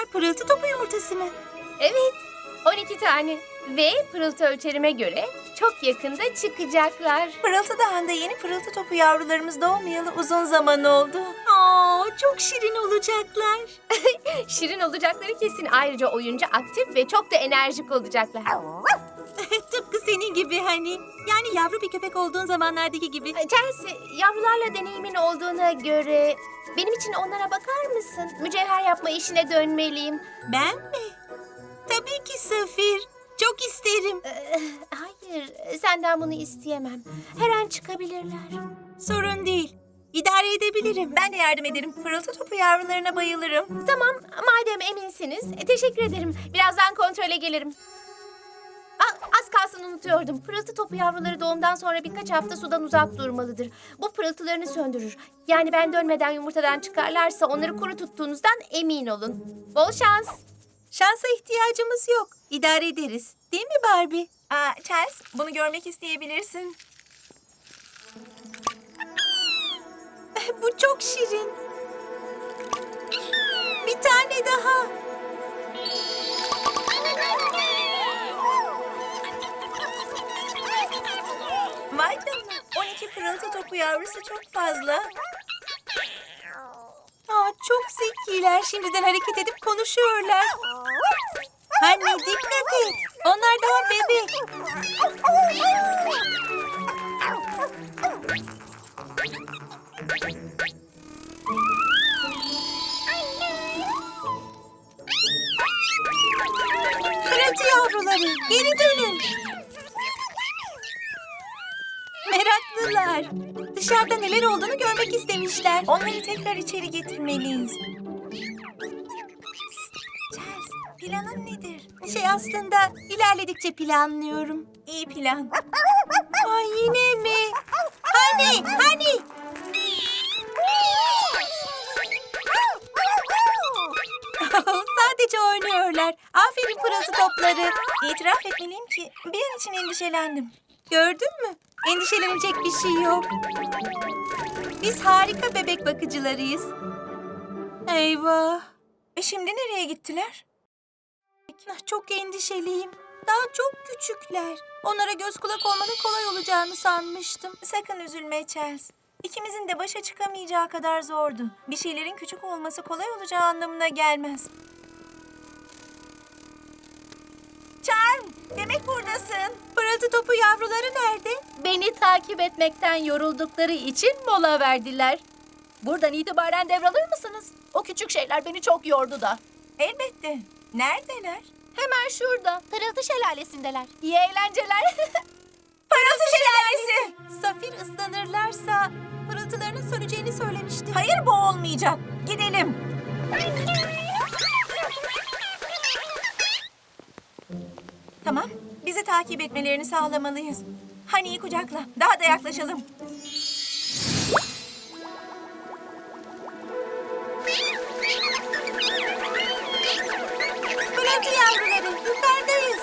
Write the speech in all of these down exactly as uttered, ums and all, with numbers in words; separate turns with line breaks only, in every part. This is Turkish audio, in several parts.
pırıltı topu yumurtası mı?
Evet, on iki tane. Ve pırıltı ölçerime göre çok yakında çıkacaklar.
Pırıltı Dağı'nda yeni pırıltı topu yavrularımız doğmayalı uzun zaman oldu. Aa, çok şirin olacaklar.
Şirin olacakları kesin. Ayrıca oyuncu, aktif ve çok da enerjik olacaklar.
Tıpkı senin gibi hani. Yani yavru bir köpek olduğun zamanlardaki gibi.
Chelsea, yavrularla deneyimin olduğuna göre benim için onlara bakar mısın? Mücevher yapma işine dönmeliyim.
Ben mi? Tabii ki Safir. Çok isterim.
Ee, hayır, senden bunu isteyemem. Her an çıkabilirler.
Sorun değil. İdare edebilirim. Ben de yardım ederim. Pırıltı topu yavrularına bayılırım.
Tamam, madem eminsiniz. e, teşekkür ederim. Birazdan kontrole gelirim. Aa, az kalsın unutuyordum. Pırıltı topu yavruları doğumdan sonra birkaç hafta sudan uzak durmalıdır. Bu pırıltılarını söndürür. Yani ben dönmeden yumurtadan çıkarlarsa onları kuru tuttuğunuzdan emin olun. Bol şans.
Şansa ihtiyacımız yok. İdare ederiz. Değil mi Barbie? Aa, Charles, bunu görmek isteyebilirsin. Bu çok şirin. Bir tane daha. Vay canına. on iki pırıltı topu yavrusu çok fazla. Aa, çok zekiler. Şimdiden hareket edip konuşuyorlar. Anne dikkat et. Onlar daha bebek. Pırıltı yavruları, geri dönün. Meraklılar. Dışarıda neler olduğunu görmek istemişler. Onları tekrar içeri getirmeliyiz. Charles, planın nedir? Şey aslında ilerledikçe planlıyorum. İyi plan. Ay yine mi? Hani, hani? Sadece oynuyorlar. Aferin pırıltı topları. İtiraf etmeliyim ki bir an için endişelendim. Gördün mü? Endişelenecek bir şey yok. Biz harika bebek bakıcılarıyız. Eyvah. E şimdi nereye gittiler? Çok endişeliyim. Daha çok küçükler. Onlara göz kulak olmanın kolay olacağını sanmıştım. Sakın üzülme Charles. İkimizin de başa çıkamayacağı kadar zordu. Bir şeylerin küçük olması kolay olacağı anlamına gelmez. Charm, demek buradasın. Pırıltı topu yavruları nerede?
Beni takip etmekten yoruldukları için mola verdiler. Buradan itibaren devralır mısınız? O küçük şeyler beni çok yordu da.
Elbette. Neredeler?
Hemen şurada, pırıltı şelalesindeler. İyi eğlenceler.
Pırıltı şelalesi. Safir ıslanırlarsa pırıltılarının söneceğini söylemişti. Hayır, bu olmayacak. Gidelim. Tamam, bizi takip etmelerini sağlamalıyız. Hani'yi kucakla, daha da yaklaşalım. Pırıltı yavruları, yukarıdayız.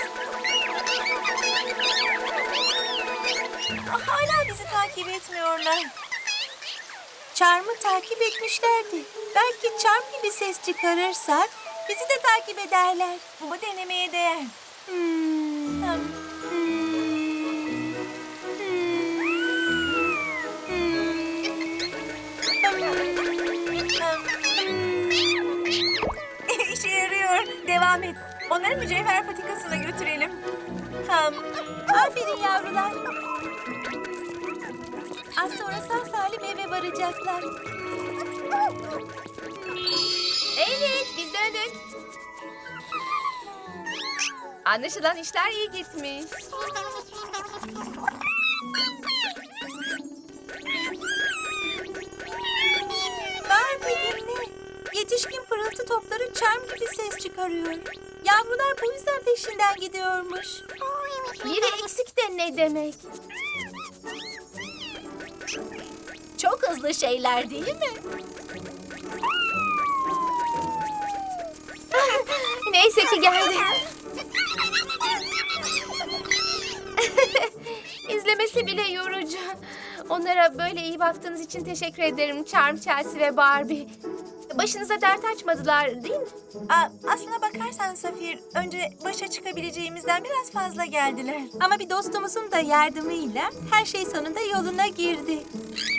Hala bizi takip etmiyorlar. Charm'ı takip etmişlerdi. Belki Charm gibi ses çıkarırsak bizi de takip ederler. Bu denemeye değer. Hmm. Hmm. İşe yarıyor. Devam et. Onları mücevher patikasına götürelim. Hmm. Aferin yavrular. Az sonra sağ salim eve varacaklar.
Evet, biz döndük. Anlaşılan işler iyi gitmiş.
Barbie dinle. Yetişkin pırıltı topları charm gibi ses çıkarıyor. Yavrular bu yüzden peşinden gidiyormuş.
Biri eksik de ne demek?
Çok hızlı şeyler değil mi?
Neyse ki geldi. İzlemesi bile yorucu. Onlara böyle iyi baktığınız için teşekkür ederim Charm, Chelsea ve Barbie. Başınıza dert açmadılar değil mi?
Aa, aslına bakarsan Safir, önce başa çıkabileceğimizden biraz fazla geldiler. Ama bir dostumuzun da yardımıyla her şey sonunda yoluna girdi.